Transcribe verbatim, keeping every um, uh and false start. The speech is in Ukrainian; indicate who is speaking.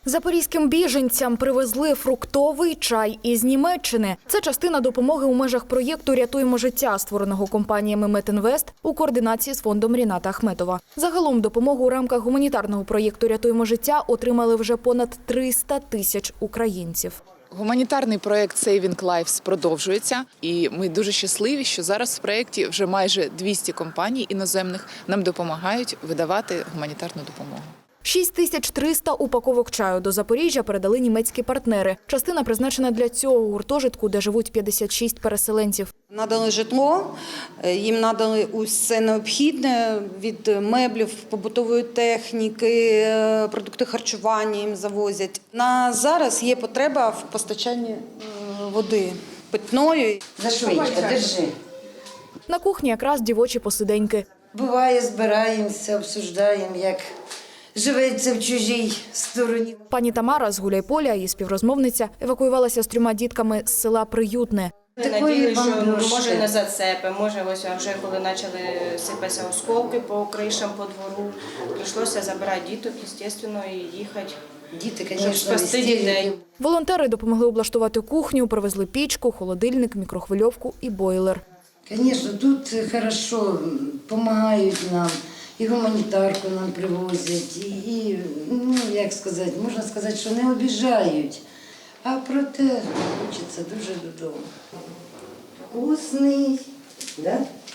Speaker 1: Запорізьким біженцям привезли фруктовий чай із Німеччини. Це частина допомоги у межах проєкту «Рятуємо життя», створеного компаніями «Метінвест» у координації з фондом Ріната Ахметова. Загалом допомогу у рамках гуманітарного проєкту «Рятуємо життя» отримали вже понад триста тисяч українців.
Speaker 2: Гуманітарний проєкт Saving Lives продовжується, і ми дуже щасливі, що зараз в проєкті вже майже двісті компаній іноземних нам допомагають видавати гуманітарну допомогу.
Speaker 1: шість тисяч триста упаковок чаю до Запоріжжя передали німецькі партнери. Частина призначена для цього гуртожитку, де живуть п'ятдесят шість переселенців.
Speaker 3: Надали житло, їм надали усе необхідне від меблів, побутової техніки, продукти харчування їм завозять. На зараз є потреба в постачанні води питної.
Speaker 4: За швидко, держи.
Speaker 1: На кухні якраз дівочі посиденьки.
Speaker 4: Буває, збираємося, обсуждаємо, як живеться в чужій стороні.
Speaker 1: Пані Тамара з Гуляйполя, її співрозмовниця, евакуювалася з трьома дітками з села Приютне.
Speaker 5: Ми надіялися, що може не зацепи, може ось вже коли почали сипатися осколки по кришам, по двору, прийшлося забирати діток, звісно, і їхати,
Speaker 4: Діти,
Speaker 5: щоб
Speaker 4: звісно,
Speaker 5: спасти дітей.
Speaker 1: Волонтери допомогли облаштувати кухню, привезли пічку, холодильник, мікрохвильовку і бойлер.
Speaker 4: Звісно, тут хорошо, допомагають нам, і гуманітарку нам привозять, і, і, ну, як сказати, можна сказати, що не обіжають. А проте хочеться дуже додому. Вкусний, да?